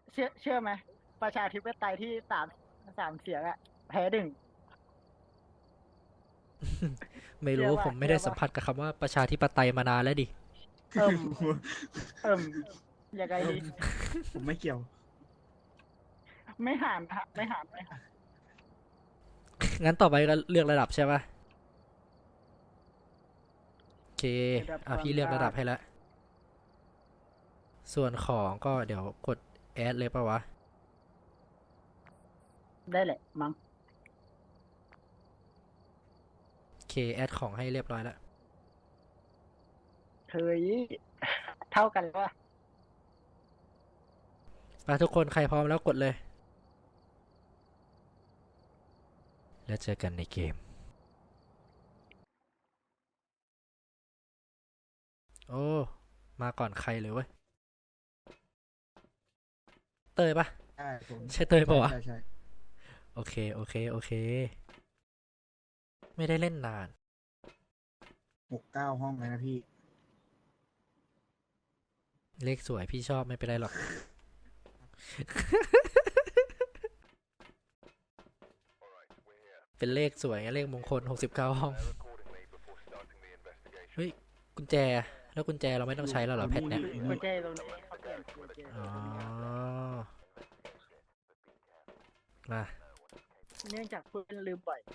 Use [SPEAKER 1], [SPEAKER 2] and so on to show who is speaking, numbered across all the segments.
[SPEAKER 1] เชื่อไหมประชาธิปไตยที่สามเสียงอะแพ้หนึ่ง
[SPEAKER 2] ไม่รู้
[SPEAKER 1] เชื่อป่ะ
[SPEAKER 2] ผมไม่ได้
[SPEAKER 1] เชื่อป่ะ
[SPEAKER 2] สัมผัสกับคำว่าประชาธิปไตยมานานแล้วดิ
[SPEAKER 1] เอิ่มเอิ่มยังไง
[SPEAKER 3] เออ
[SPEAKER 1] ดี
[SPEAKER 3] ผมไม่เกี่ยว
[SPEAKER 1] ไม่หานฮะไม่หาน
[SPEAKER 2] งั้นต่อไปก็เลือกระดับใช่ปะโอเค
[SPEAKER 1] ระดับความ
[SPEAKER 2] พี่เลือกระ
[SPEAKER 1] ยาก
[SPEAKER 2] ดับให้แล้วส่วนของก็เดี๋ยวกดแอดเลยปะวะ
[SPEAKER 1] ได้แหละมั้ง
[SPEAKER 2] โอเคแอดของให้เรียบร้อยแล้ว
[SPEAKER 1] เฮ้ยเท่ากันแล้วอะ
[SPEAKER 2] ไปทุกคนใครพร้อมแล้วกดเลยแล้วเจอกันในเกมโอ้มาก่อนใครเลยเว้ยเตยปะ
[SPEAKER 3] ใช่ผม
[SPEAKER 2] ใช่เตย
[SPEAKER 3] ใช่
[SPEAKER 2] ปะวะ
[SPEAKER 3] ใช่ใช่
[SPEAKER 2] โอเคโอเคโอเคไม่ได้เล่นนาน
[SPEAKER 3] 69ห้องเลยนะพี่
[SPEAKER 2] เลขสวยพี่ชอบไม่เป็นไรหรอกเป็นเลขสวยไงเลขมงคล69ห้องเฮ้ยกุญแจแล้วกุญแจเราไม่ต้องใช้แล้วเหรอแพทเนี่ย
[SPEAKER 3] อยู่
[SPEAKER 1] กุ
[SPEAKER 3] นี่
[SPEAKER 1] ญแจตรงนี้เขาเปลี่ยนกุญแจ
[SPEAKER 2] อ๋อ
[SPEAKER 1] ตรงนี้
[SPEAKER 2] มา
[SPEAKER 1] เนื่องจากคุณลืมบ่อย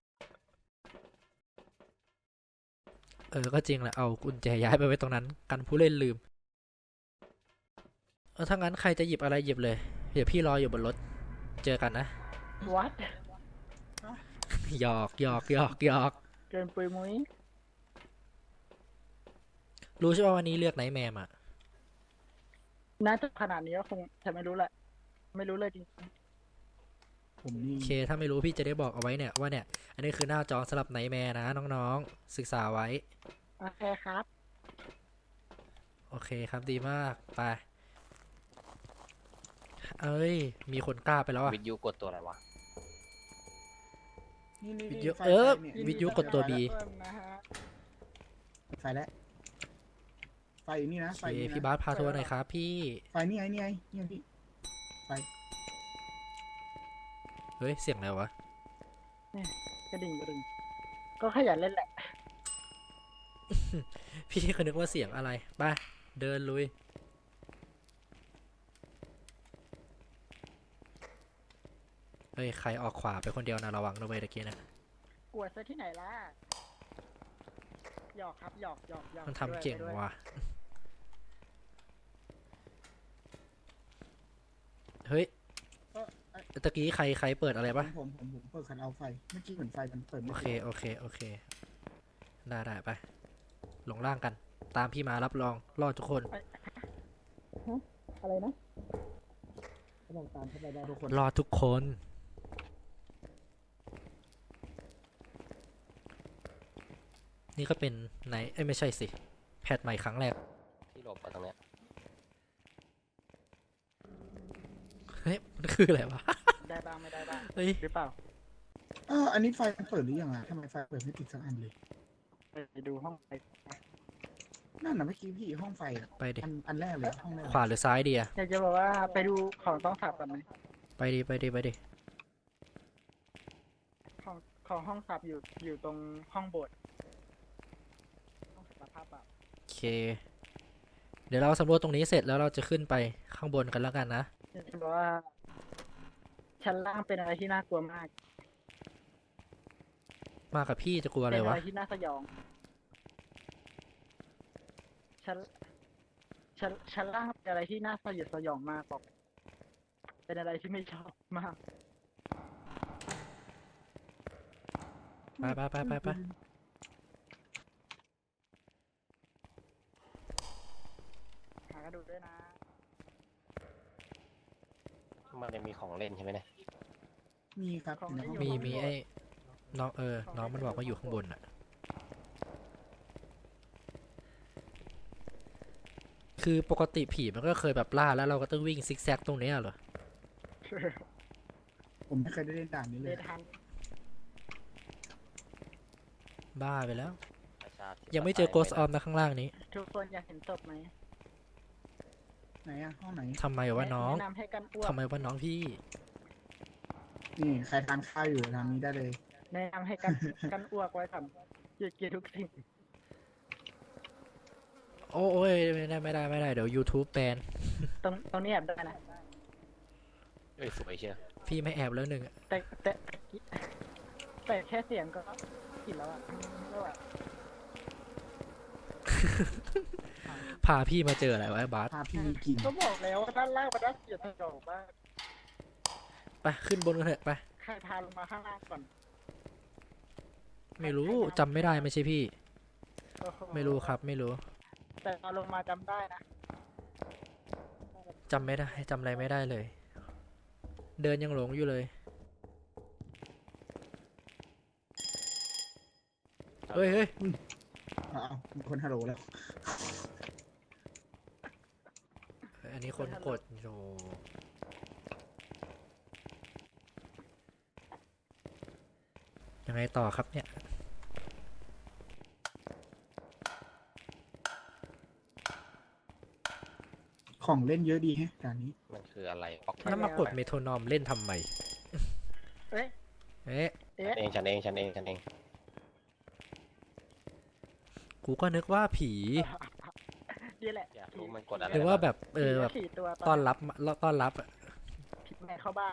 [SPEAKER 2] ก็จริงแหละเอากุญแจย้ายไปไว้ตรงนั้นกันผู้เล่นลืมถ้างั้นใครจะหยิบอะไรหยิบเลยเดี๋ยวพี่รออยู่บนรถเจอกันนะ
[SPEAKER 1] วัด
[SPEAKER 2] หยอกหยอกหยอกหยอก
[SPEAKER 1] เกินปุยมุ้ย
[SPEAKER 2] รู้ใช่ป่ะวันนี้เลือกไนท์แมมอ่ะ
[SPEAKER 1] น่าจะขนาดนี้ก็คงแต่ไม่รู้แหละไม่รู้เลยจริง
[SPEAKER 3] ผมนี่
[SPEAKER 2] โอเคถ้าไม่รู้พี่จะได้บอกเอาไว้เนี่ยว่าเนี่ยอันนี้คือหน้าจอสำหรับไนท์แมร์นะน้องๆศึกษาไว้
[SPEAKER 1] โอเคครับ
[SPEAKER 2] โอเคครับดีมากไปเอ้ยมีคนกล้าไปแล้วอ่ะ
[SPEAKER 4] วิทยุกดตัวอะไรวะ
[SPEAKER 3] นี่
[SPEAKER 2] วิทยุ
[SPEAKER 3] ไฟเนี่ย
[SPEAKER 2] วิทยุกดตัวบี
[SPEAKER 1] เพิ่มนะฮะ
[SPEAKER 3] ไฟแล้วไฟอยู่นี่นะ
[SPEAKER 2] โอเค
[SPEAKER 3] ไฟนี่
[SPEAKER 2] พี่
[SPEAKER 3] นะ
[SPEAKER 2] บาสพาทัวร์หน่อยครับพี่
[SPEAKER 3] ไฟนี่ไงนี่ไงนี่ไงพี่ไฟ
[SPEAKER 2] เฮ้ยเสียงอะไรวะ
[SPEAKER 1] กระดิ่งก็ขยันเล่นแหละ
[SPEAKER 2] พี่ก็นึกว่าเสียงอะไรไปเดินลุยเฮ้ยใครออกขวาไปคนเดียวนะระวังนะเว้ยตะกี้นะ
[SPEAKER 1] กวดซะที่ไหนล่ะหยอกครับหยอก
[SPEAKER 2] มัน
[SPEAKER 1] ไปด้วย
[SPEAKER 2] ทำเก่ง
[SPEAKER 1] ไปด้วย
[SPEAKER 2] ว่ะเฮ้ย
[SPEAKER 3] เออไอ้
[SPEAKER 2] ตะกี้ใครเปิดอะไรปะ
[SPEAKER 3] ผมเปิดคันเอาไฟเมื่อกี้เหมือนไฟมันเปิด
[SPEAKER 2] โอ
[SPEAKER 3] ไม่
[SPEAKER 2] เค
[SPEAKER 3] ติด
[SPEAKER 2] โอเคโอเคได้ไปลงล่างกันตามพี่มารับรองรอดทุกคน
[SPEAKER 1] อะไรนะ
[SPEAKER 3] เขาบอกตามเข้าไปได้ทุกคน
[SPEAKER 2] รอดทุกคนนี่ก็เป็นไหนไม่ใช่สิแพทใหม่ครั้งแรก
[SPEAKER 4] ที่หลบมาตรงเนี้ย
[SPEAKER 2] เฮ้ยมันคืออะไรวะ
[SPEAKER 1] ได้บ้างไม่ได้บ้าง
[SPEAKER 2] เฮ้ย
[SPEAKER 1] หรือเปล่า
[SPEAKER 3] อันนี้ไฟมันเปิดหรือยังอ่ะทำไมไฟเปิดไม่ติดสักอันเลย
[SPEAKER 1] ไปดูห้องไป
[SPEAKER 3] นั่นน่ะเมื่อกี้พี่ห้องไฟอ่ะ
[SPEAKER 2] ไปดิ
[SPEAKER 3] อันแรกเลยห้องแรก
[SPEAKER 2] ขวาหรือซ้ายดีอะ
[SPEAKER 1] อยากจะบอกว่าไปดูของต้องสับกันไหม
[SPEAKER 2] ไปดิไปดิไปดิ
[SPEAKER 1] ของของห้องสับอยู่ตรงห้องโบสถ์ห้องสับภาพแบบ
[SPEAKER 2] โอเคเดี๋ยวเราสำรวจตรงนี้เสร็จแล้วเราจะขึ้นไปข้างบนกันแล้วกันนะ
[SPEAKER 1] อยากจะบอกว่าชั้นล่างเป็นอะไรที่น่ากลัวมาก
[SPEAKER 2] มากับพี่จะกลัวอะ
[SPEAKER 1] เป็นอะ
[SPEAKER 2] ไรวะ
[SPEAKER 1] ไรที่น่าสยองชั้นชั้นล่างเป็นอะไรที่น่าสยดสยองมากบอกเป็นอะไรที่ไม่ชอบมาก
[SPEAKER 2] ไป
[SPEAKER 1] หากระดูกด้วยนะ
[SPEAKER 4] มันจะมีของเล่นใช่ไหมเนี่ย
[SPEAKER 3] มีครับ
[SPEAKER 1] ของ
[SPEAKER 3] อยู่ในห้อง
[SPEAKER 1] ที่อยู่
[SPEAKER 2] มีไอ้น้องน้องมันบอกว่าอยู่ข้างบนอะคือปกติผีมันก็เคยแบบล่าแล้วเราก็ต้องวิ่งซิกแซกตรงเนี้ยเหรอ
[SPEAKER 3] ผมไม่เคยได้เล่นด่านนี้เล
[SPEAKER 1] เด
[SPEAKER 3] ย
[SPEAKER 1] ทัน
[SPEAKER 2] บ้าไปแล้ว
[SPEAKER 4] ประชาธิปไต
[SPEAKER 2] ยังไม่เจอโกสออมนะข้างล่างนี้
[SPEAKER 1] ทุกคนอยากเห็นศพไหม
[SPEAKER 3] ไหนอะห้องไหน
[SPEAKER 2] ทำไมวะน้อง
[SPEAKER 1] แนะนำให้กันอ้วก
[SPEAKER 2] ทำไมวะน้องพี่
[SPEAKER 3] นี่ใครทานข้าวอยู่ทางนี้ได้เลย
[SPEAKER 1] แนะนำให้กัน กันอ้วกไว้ทำเกลียดทุกสิ่ง
[SPEAKER 2] โอ้ยไม่ได้เดี๋ยว YouTube แบน
[SPEAKER 1] ตรงนี้แอบได้นะ
[SPEAKER 4] เอ้ยสวยเชียว
[SPEAKER 2] พี่ไม่แอบแล้วหนึ่งอะ
[SPEAKER 1] แต่แค่เสียงก็กินแล้วอ่ะไม่ไหว
[SPEAKER 2] พาพี่มาเจออะไรวะไอ้บาส
[SPEAKER 3] ภาพที่มีกลิ่น
[SPEAKER 1] ก็บอกแล้วว่าด้านล่างมันน่าเกลียดสยองมาก
[SPEAKER 2] ไปขึ้นบนกันเถอะไป
[SPEAKER 1] ใครพาลงมาข้างล่างก่อน
[SPEAKER 2] ไม่รู้จำไม่ได้ไม่ใช่พี่
[SPEAKER 1] โอ้โห
[SPEAKER 2] ไม่รู้ครับไม่รู้
[SPEAKER 1] แต่ตอนลงมาจำได้นะ
[SPEAKER 2] จำไม่ได้จำอะไรไม่ได้เลย เดินยังหลงอยู่เลยเฮ้ย
[SPEAKER 3] อ้าวมีคนฮัลโหลแล้ว
[SPEAKER 2] อันนี้คนกดโธ่ยังไงต่อครับเนี่ย
[SPEAKER 3] ของเล่นเยอะดีแฮะด่านนี้
[SPEAKER 4] มันคืออะไรป๊อก
[SPEAKER 2] แล้วมากดเมโทรนอมเล่นทำไม
[SPEAKER 1] เอ๊ะ
[SPEAKER 2] เอ๊ะ
[SPEAKER 1] เอ๊ะ
[SPEAKER 4] ฉันเอง
[SPEAKER 2] กูก็นึกว่าผี
[SPEAKER 1] นี่แหละ
[SPEAKER 4] อยากรู้มันกดอะไร
[SPEAKER 2] หรือว่าแบบแบบ
[SPEAKER 1] ผีตัว
[SPEAKER 2] ต้อนรับอะ
[SPEAKER 1] ผีแม่เข้าบ้าน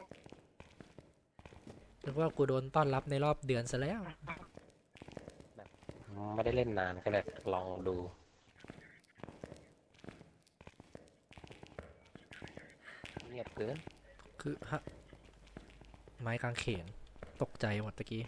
[SPEAKER 2] นึกว่ากูโดนต้อนรับในรอบเดือนซะแล้ว
[SPEAKER 4] ไม่ได้เล่นนานก็เลยลองดูเงียบเกิน
[SPEAKER 2] คือฮะไม้กางเขนตกใจหมดตะกี้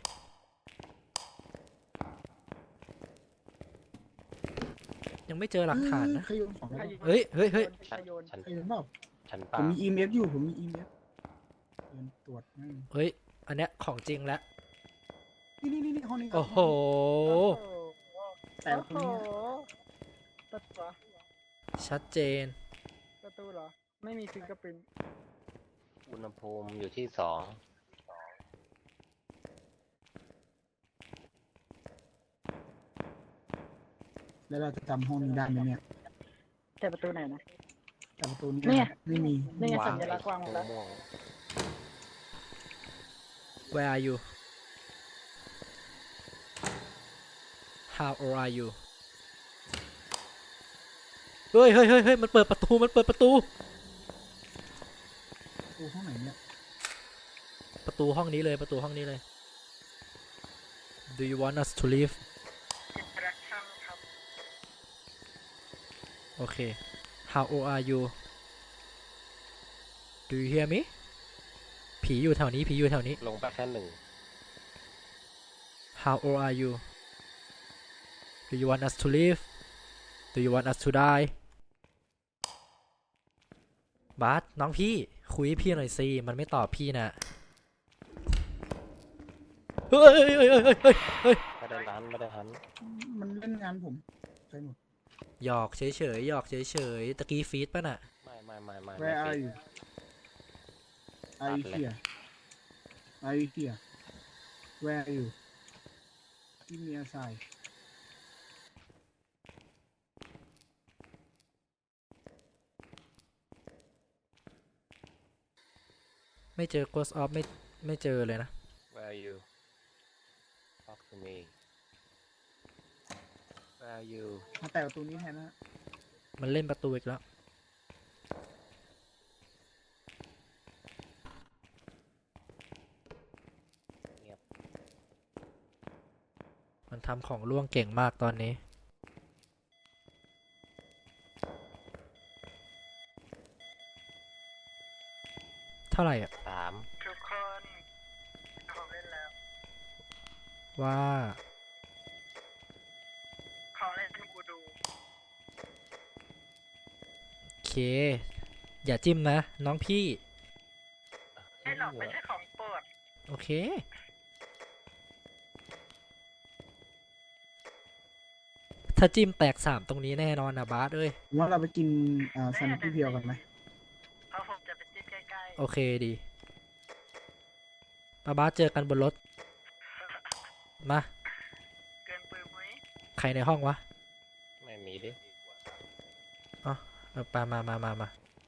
[SPEAKER 2] ยังไม่เจอหลักฐานนะ
[SPEAKER 3] ใครโยนของแล้ว
[SPEAKER 2] เฮ้ย
[SPEAKER 1] ใครโยน
[SPEAKER 4] ฉัน
[SPEAKER 3] ใครโยนเปล่า
[SPEAKER 4] ฉัน
[SPEAKER 3] ผ
[SPEAKER 4] เปล่า
[SPEAKER 3] มมี EMF อยู่ผมมี EMF โยนตรวจให้
[SPEAKER 2] เฮ้ย อันเนี้ยของจริงแล้ว
[SPEAKER 3] นี่ห้องนี้ครับ
[SPEAKER 2] โอ้โห
[SPEAKER 3] แต่ตรงนี้
[SPEAKER 1] ประตูเหรอ
[SPEAKER 2] ชัดเจน
[SPEAKER 1] ประตูเหรอ ไม่มีฟิงเกอร์ปรินท์
[SPEAKER 4] อุณหภูมิอยู่ที่2
[SPEAKER 3] แล้วเราจะจำห้องนี้ได้ไหมเนี่ย
[SPEAKER 1] แต่ประตูไหนนะ
[SPEAKER 3] แต่ประตูนี้
[SPEAKER 1] เนี่ย
[SPEAKER 3] ไม่มี
[SPEAKER 1] นี่ไง
[SPEAKER 4] วา
[SPEAKER 1] สั
[SPEAKER 4] ง
[SPEAKER 1] ญลักษณ์วางหมดแล้ว
[SPEAKER 4] ม่วง
[SPEAKER 2] Where are you How old are you เฮ้ยมันเปิดประตู
[SPEAKER 3] ประตูห้องไหนเนี่ย
[SPEAKER 2] ประตูห้องนี้เลย ประตูห้องนี้เลย Do you want us to leave โอเค How old are you Do you hear me ผีอยู่แถวนี้
[SPEAKER 4] ลงไปแค่1
[SPEAKER 2] How old are you Do you want us to leave Do you want us to die บาสน้องพี่ คุยให้พี่หน่อยสิ มันไม่ตอบพี่นะเฮ้ย
[SPEAKER 4] ไม่ได้ทัน
[SPEAKER 3] มันเล่นงานผมใช่หมด
[SPEAKER 2] หยอกเฉยหยอกเฉยตะกี้ฟีดป่ะน่ะ
[SPEAKER 4] ไม่
[SPEAKER 3] Where are you Are you here Are you here Where are you Give me a sign
[SPEAKER 2] ไม่เจอ Ghost of ไม่เจอเลยนะ
[SPEAKER 4] Where are you Talk to me Where are you
[SPEAKER 3] มาแต่ประตูนี้แทนนะฮะ
[SPEAKER 2] มันเล่นประตูอีกแล้ว
[SPEAKER 4] เงียบ
[SPEAKER 2] มันทำของล่วงเก่งมากตอนนี้ เท่าไหร่อ่ะ
[SPEAKER 4] 3
[SPEAKER 1] ทุกคนของเล่นแล้ว
[SPEAKER 2] ว่า
[SPEAKER 1] ของเล่นกูดู
[SPEAKER 2] โอเค อย่าจิ้มนะ น้องพี่
[SPEAKER 1] ไม่หรอกไม่ใช่ของโปรด
[SPEAKER 2] โอเค ถ้าจิ้มแตก3ตรงนี้แน่นอนนะบาสเอ้ย
[SPEAKER 3] ผมว่าเราไปกินแซนด์วิชเพียวกันไหม
[SPEAKER 1] เพราะผมจะไปจิ้มใกล้
[SPEAKER 2] โอเคดีป้าบาสเจอกันบนรถ มา
[SPEAKER 1] ๆ เกินปืนมุ้ย
[SPEAKER 2] ใครในห้องวะ
[SPEAKER 4] ไม่มีดิ
[SPEAKER 2] ไปมา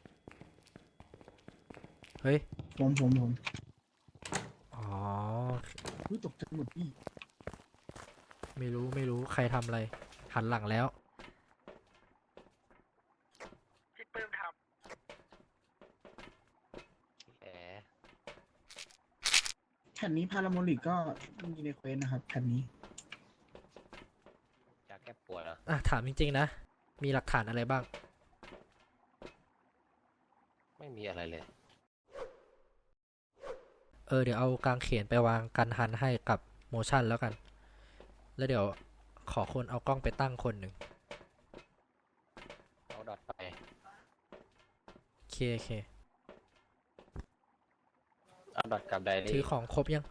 [SPEAKER 2] เฮ้ย
[SPEAKER 3] ผม
[SPEAKER 2] อ๋อ
[SPEAKER 3] อุ๊ยตกใจหมดพี่
[SPEAKER 2] ไม่รู้ใครทำอะไร หันหลังแล้ว
[SPEAKER 1] พี่ปื้มท
[SPEAKER 4] แหม
[SPEAKER 3] แผ่นนี้พาราโมลิกก็มีในเควสนะครับ แผ่นนี้
[SPEAKER 4] อยากแก้ปวดเหรอ
[SPEAKER 2] อ่ะ ถามจริงๆนะ มีหลักฐานอะไรบ้าง
[SPEAKER 4] ไม่มีอะไรเลย
[SPEAKER 2] เดี๋ยวเอากางเขนไปวางกันหันให้กับโมชั่นแล้วกัน แล้วเดี๋ยวขอคนเอากล้องไปตั้งคนหนึ่ง
[SPEAKER 4] เอาดอทไป
[SPEAKER 2] โอเค
[SPEAKER 4] เอาดอทกับได
[SPEAKER 2] ถื
[SPEAKER 4] รี่
[SPEAKER 2] อของครบยัง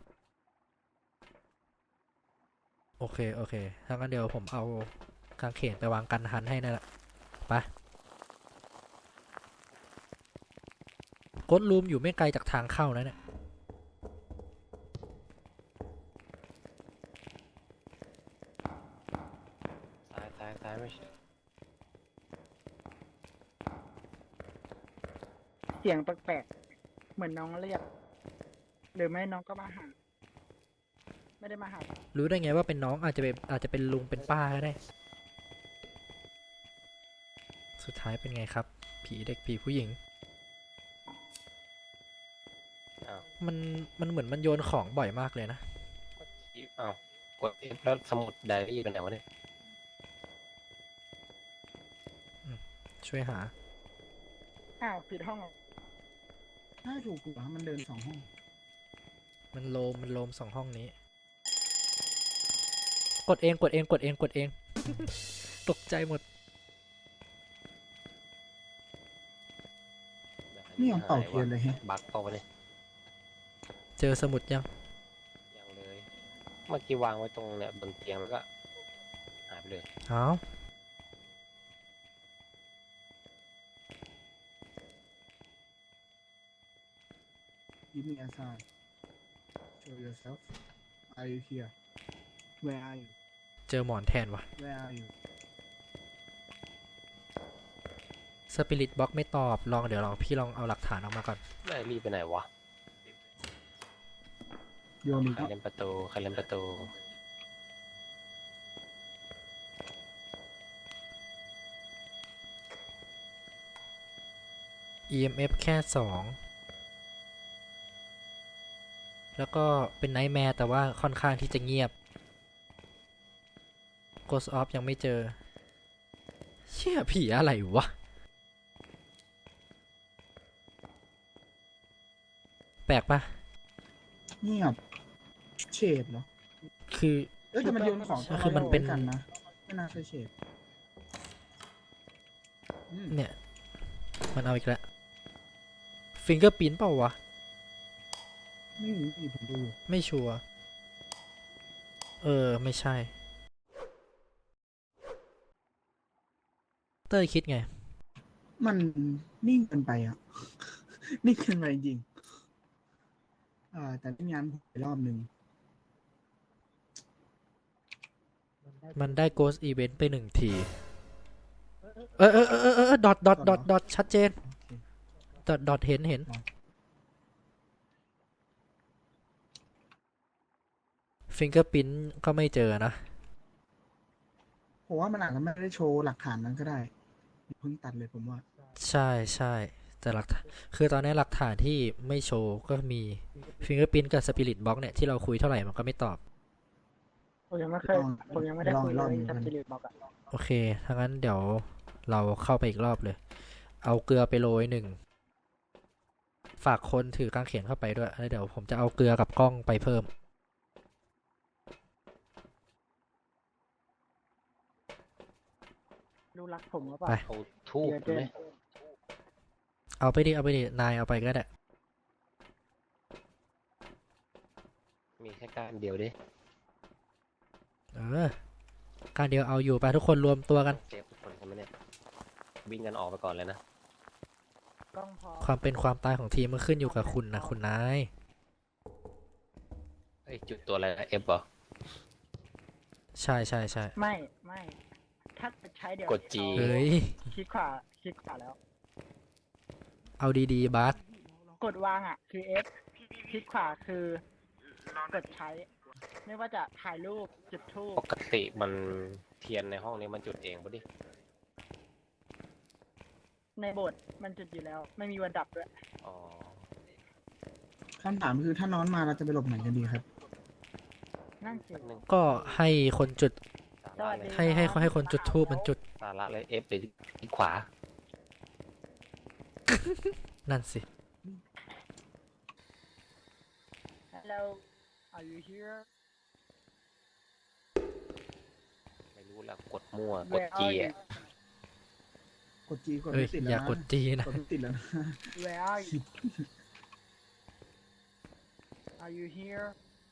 [SPEAKER 2] โอเคถ้างั้นเดี๋ยวผมเอากางเขนไปวางกันหันให้นั่นแหละไปกดรูมอยู่ไม่ไกลจากทางเข้านะเนี่ย
[SPEAKER 4] ซ้ายไม่ใช่
[SPEAKER 1] ำเสียงแปลกๆเหมือนน้องเรียก หรือไม่น้องก็มาหา ไม่ได้มาหา
[SPEAKER 2] รู้ได้ไงว่าเป็นน้องอาจจะเป็นลุงเป็นป้าก็ได้ สุดท้ายเป็นไงครับ ผีเด็กผีผู้หญิง
[SPEAKER 4] อ้าว
[SPEAKER 2] มันเหมือนมันโยนของบ่อยมากเลยนะ
[SPEAKER 4] อ้าวกด F แล้วสมุดไดรี่เป็นไหนวะเนี่ย
[SPEAKER 2] ช่วยหา
[SPEAKER 1] อ้าวผิดห้องเหรอ
[SPEAKER 3] ถ้าถูกกว่ามันเดิน2 ห้อง
[SPEAKER 2] มันโลม2 ห้องนี้ กดเอง ตกใจหมด
[SPEAKER 3] นี่ยังเป่าเทียนเลยแฮะ
[SPEAKER 4] บักเปล่าวะเนี่ย
[SPEAKER 2] เจอสมุดยัง
[SPEAKER 4] ยังเลย เมื่อกี้วางไว้ตรงเนี่ยบนเตียงแล้วก็หายไปเลย
[SPEAKER 2] เอา
[SPEAKER 3] Give me a sign. Show yourself. Are you here? Where are you?
[SPEAKER 2] เจอหมอนแทนวะ
[SPEAKER 3] Where are you?
[SPEAKER 2] สปิริตบ็อกไม่ตอบ เดี๋ยวพี่ลองเอาหลักฐานออกมาก่อน
[SPEAKER 4] ไดรี่ไปไหนวะ
[SPEAKER 3] โยนอีก
[SPEAKER 4] ใคร
[SPEAKER 3] แล้ว
[SPEAKER 4] เล่นประตูใครเล่นประตู
[SPEAKER 2] EMF แค่ 2 แล้วก็เป็นไนท์แมร์แต่ว่าค่อนข้างที่จะเงียบ Ghost of ยังไม่เจอ เชี่ยผีอะไรวะ แปลกปะ
[SPEAKER 3] เงียบเฉดเหรอ
[SPEAKER 2] คือ
[SPEAKER 3] แต่มันโยนของ
[SPEAKER 2] คือมันเป็น
[SPEAKER 3] กันนะ ไม่น่าใช่เฉดอืม
[SPEAKER 2] เนี่ย มันเอาอีกแล้วฟิงเกอร์ปิ้นเปล่าวะ
[SPEAKER 3] ไม่มีผมดูอยู่
[SPEAKER 2] ไม่ชัวร์ไม่ใช่ เต้ยคิดไง
[SPEAKER 3] มันนิ่งเกินไปอ่ะ นิ่งเกินไปจริงแต่ไม่งั้นผมไปรอบหนึ่ง
[SPEAKER 2] มันได้ Ghost Event ไป1 ที ดอทชัดเจน ดอทเห็น ฟิงเกอร์ปิ้นก็ไม่เจอนะ
[SPEAKER 3] ผมว่ามันอาจจะไม่ได้โชว์หลักฐานนั้นก็ได้อย่าเพิ่งตัดเลยผมว่า
[SPEAKER 2] ใช่แต่คือตอนนี้หลักฐานที่ไม่โชว์ก็มีฟิงเกอร์ปิ้นกับสปิริตบ็อกเนี่ยที่เราคุยเท่าไหร่มันก็ไม่ตอบ
[SPEAKER 1] ผมยังไม่เคย ผมยังไม่ได้คุยเลยกับจิริตบอกอะ
[SPEAKER 2] โอเค ถ้างั้นเดี๋ยวเราเข้าไปอีกรอบเลย เอาเกลือไปโรย 1 ฝากคนถือกางเขนเข้าไปด้วย แล้วเดี๋ยวผมจะเอาเกลือกับกล้องไปเพิ่ม
[SPEAKER 1] รู้รักผมหรือเปล่า
[SPEAKER 2] ไป
[SPEAKER 4] เอาทูบ
[SPEAKER 1] เดี๋ยว
[SPEAKER 4] ไหม
[SPEAKER 2] เอาไปดิ นายเอาไปก็ได้
[SPEAKER 4] มีแค่การเดียวดิ
[SPEAKER 2] การเดียวเอาอยู่ไปทุกคนรวมตัวกัน
[SPEAKER 4] เซฟทุกคนใช่ไหมเนี่ย วิ่งกันออกไปก่อนเลยนะ
[SPEAKER 1] กล้องพอ
[SPEAKER 2] ความเป็นความตายของทีมมันขึ้นอยู่กับคุณนะคุณนาย
[SPEAKER 4] เอ้ยจุดตัวอะไรนะ F เหรอ
[SPEAKER 2] ใช่
[SPEAKER 1] ไม่ ถ้าจะใช้เดี๋ยว
[SPEAKER 4] กด G
[SPEAKER 2] เฮ้ย
[SPEAKER 1] คลิกขวาแล้ว
[SPEAKER 2] เอาดีๆบาส
[SPEAKER 3] เรา
[SPEAKER 1] กดวางอ่ะ คือ F คลิกขวาคือกดใช้ ไม่ว่าจะถ่ายรูปจุดธูป
[SPEAKER 4] ปกติมันเทียนในห้องนี้มันจุดเองปะดิ
[SPEAKER 1] ในโบสถ์มันจุดอยู่แล้ว ไม่มีวันดับด้วย
[SPEAKER 4] อ๋อ
[SPEAKER 3] คำถามคือถ้านอนมาเราจะไปหลบไหนกันดีครับ
[SPEAKER 1] นั่นสิ
[SPEAKER 4] แป๊บนึง
[SPEAKER 2] ก็ให้คนจุด
[SPEAKER 4] สาระเลย
[SPEAKER 2] ให้คนจุดทูบมันจุด
[SPEAKER 4] สาระเลย F หรือคลิกขวา
[SPEAKER 2] นั่นสิ
[SPEAKER 1] Hello are you here
[SPEAKER 4] ไม่รู้แล้วกดมั่ว กด
[SPEAKER 1] Where
[SPEAKER 4] จี
[SPEAKER 1] are you
[SPEAKER 4] อ่ะ
[SPEAKER 3] กดจีกด
[SPEAKER 2] เอ้ย
[SPEAKER 3] ไม่ติด
[SPEAKER 2] อ
[SPEAKER 3] แล้ว
[SPEAKER 2] ย่าก
[SPEAKER 3] นะ
[SPEAKER 2] ดจีนะ
[SPEAKER 3] กดไม่ติดแล้วนะ
[SPEAKER 1] Where are you Are you here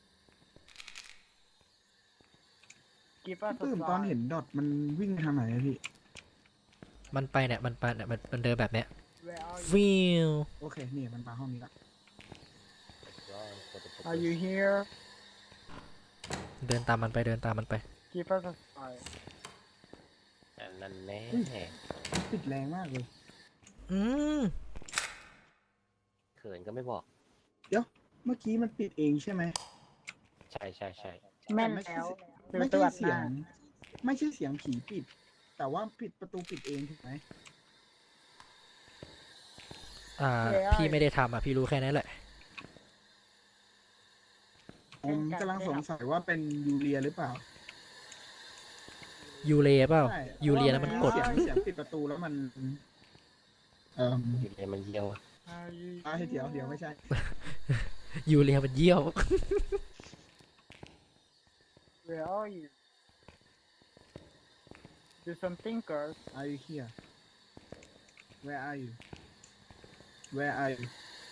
[SPEAKER 1] Give us a
[SPEAKER 3] ตื่นตอน
[SPEAKER 1] sign
[SPEAKER 3] เห็นดอทมันวิ่งไปทางไหนอะพี่
[SPEAKER 2] มันไปเนี่ยมันไปเนี่ยมันเดินแบบเนี้ย
[SPEAKER 1] Where are you
[SPEAKER 2] วิว
[SPEAKER 3] โอเคนี่มันมาห้องนี้ละ
[SPEAKER 1] Are you here
[SPEAKER 2] เดินตามมันไปเดินตามมันไป
[SPEAKER 1] Give us a sign
[SPEAKER 4] อันนั่นแน่
[SPEAKER 3] ปิดแรงมากเลย
[SPEAKER 2] อืม
[SPEAKER 4] เขินก็ไม่บอก
[SPEAKER 3] เมื่อกี้มันปิดเองใช่ไหม
[SPEAKER 4] ใช่ใช่ใช่
[SPEAKER 1] แม่น
[SPEAKER 3] ไม่ใช่
[SPEAKER 1] แล้ว
[SPEAKER 3] ไม่
[SPEAKER 1] ตร
[SPEAKER 3] ใช่
[SPEAKER 1] วจห
[SPEAKER 3] เสีย
[SPEAKER 1] น้า
[SPEAKER 3] ง ไม่ใช่เสียงผีปิด แต่ว่าปิดประตูปิดเองถูกไหม
[SPEAKER 2] พี่ไม่ได้ทำอ่ะพี่รู้แค่นั้นแหละ
[SPEAKER 3] ผมกำลังสงสัยว่าเป็นยูเรียหรือเปล่า
[SPEAKER 2] ยูเรเปล่า
[SPEAKER 3] ใช่
[SPEAKER 2] ยูเรียแล้วมันกด
[SPEAKER 3] เสียงปิดประตูแล้วมัน
[SPEAKER 4] อยู่เลยมันเยี่ยวอะ
[SPEAKER 1] Are you
[SPEAKER 3] เดี๋ยวไม่ใช่
[SPEAKER 2] ยูเรียมันเยี่ยว
[SPEAKER 1] Where are you Do something girls
[SPEAKER 3] Are you here Where are you Where are you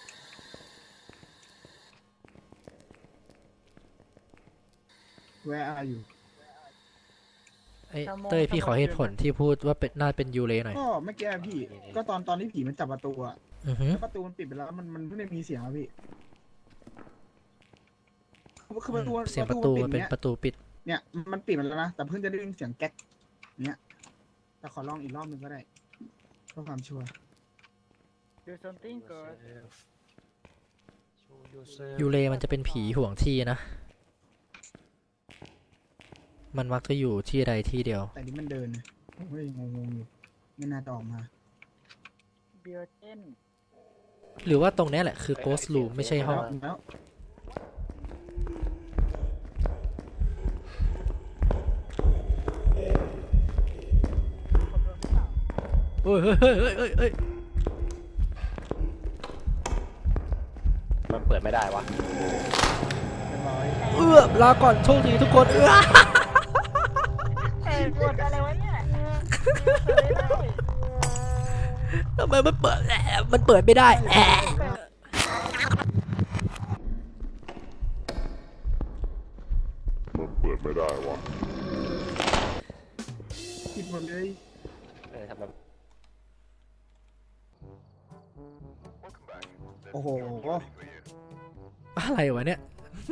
[SPEAKER 3] Where are you
[SPEAKER 2] ไอ้เต้ยพี่ขอเหตุผลที่พูดว่าเป็นน่าเป็นยูเรหน่อย
[SPEAKER 3] ก็เมื่อกี้พี่ ก็ตอนที่ผีมันจับประตูอะ
[SPEAKER 2] อือหือ
[SPEAKER 3] แล้วประตูมันปิดไปแล้วมันเพิ่งได้มีเสียงอะพี่คือประตู
[SPEAKER 2] เสียงประตูมันเป็น
[SPEAKER 3] ปิด
[SPEAKER 2] ประตูปิด
[SPEAKER 3] เนี่ยมันปิดมันแล้วนะแต่เพิ่งจะได้ยินเสียงแก๊กเนี่ยแต่ขอลองอีกรอบหนึงก็ได้เพื่อความชัวร์
[SPEAKER 1] Do something girls
[SPEAKER 2] ยูเรมันจะเป็นผีห่วงที่นะ มันมักจะอยู่ที่ใดที่เดียว
[SPEAKER 3] แต่นี่มันเดินนะผมก็ยังงงๆอยู่ไม่น่าจะออกมา
[SPEAKER 1] Built-in
[SPEAKER 2] หรือว่าตรงเนี้ยแหละคือ ghost room ไม่ใช่ห้อง
[SPEAKER 3] แล้ว
[SPEAKER 2] เฮ้ยเฮ้ยเฮ้ยเฮ้ยเฮ้ย
[SPEAKER 4] มันเปิดไม่ได้วะ
[SPEAKER 3] เรียบร้อย
[SPEAKER 2] ลาก่อนโชคดีทุกคน
[SPEAKER 1] กดอะไรวะเนี่ย
[SPEAKER 2] ทำไมมันเปิดมันเปิดไม่ได้แอะ
[SPEAKER 5] มันเปิดไม่ได้วะ
[SPEAKER 3] ปิดหมดเลย
[SPEAKER 4] ทำแบบ
[SPEAKER 3] โอ้โห
[SPEAKER 2] อะไรวะเนี่ย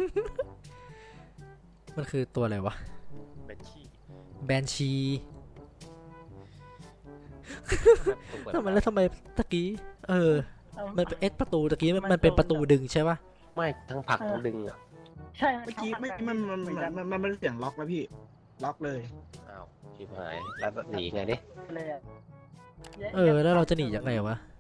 [SPEAKER 2] มันคือตัวอะไรวะ
[SPEAKER 4] เป็นขี้
[SPEAKER 2] แบนชี
[SPEAKER 4] เปิด
[SPEAKER 2] ทำไมแล้วทำไมตะกี้มันเป็นประตูตะกี้มันเป็นประตูดึงใช่ปะ
[SPEAKER 4] ไม่ทั้งผลักทั้งดึงอ่ะ
[SPEAKER 1] ใช่
[SPEAKER 3] เมื่อกี้มันเป็นเสียงล็อกนะพี่ ล็อกเลย
[SPEAKER 4] อ้าวชิบหาย แล้วหนีไงดิ
[SPEAKER 1] เลยอะ
[SPEAKER 2] แล้วเราจะหนียังไงวะ